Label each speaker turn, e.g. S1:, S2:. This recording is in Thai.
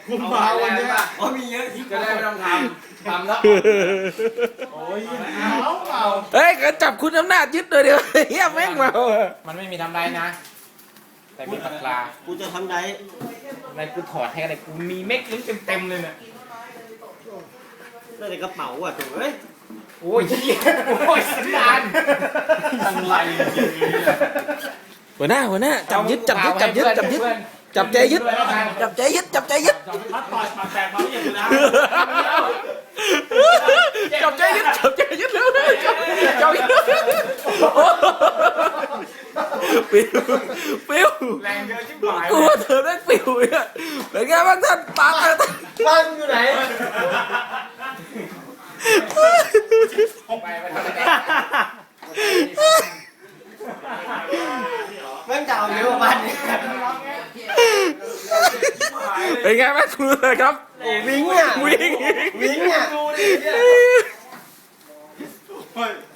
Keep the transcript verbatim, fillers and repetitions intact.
S1: คุณมาวันนี้
S2: อ๋อมีเยอะที่
S3: จะได้ไม่ต้องทำทำแล้ว
S1: โอ้ยเอาเปล่า
S4: เฮ้ยก็จับคุณอำนาจยึดเลยเดี๋ยวเฮียแม่งเมาอะ
S3: มันไม่มีทำไรนะ แต่มีปากกา
S2: กูจะทำได้
S3: อะไรกูถอดให้อะไรกูมีเม็ดลิ้นเต็มๆเลยเนี่ย
S2: ได้ในกระเป๋าอ่ะถูกเอ้ย
S3: โอ้ยเหี้ยโอ้ยสันดาน
S1: ทำไรจริงๆเนี่ย
S4: หัวหน้าหัวหน้าจับยึดจับยึดจับยึดจับยึดจับใจยึดจับใจยึดจับใจยึด
S1: พัดต่อยปากแตกมาไม่อย่างนี้นะ
S4: จับใจยึดจับใจยึดเร็วเลยจับจับยึดโอ้ปิวปิว
S3: แรงเยอะชิบหาย
S4: กลัวเธอได้ปิวเนี่ยเป็นไงบ้างท่านปากอะไร
S2: บ้านอยู่ไหน
S3: ไปไปทำอะไร
S2: แม่งจะเอาเยอะกว่าบ้านเนี่ย
S4: เป็นไงบ้างคุณเลยครับ
S2: วิ่งอ่ะ
S4: วิ่ง
S2: วิ่งอ่ะ
S3: ดูดิ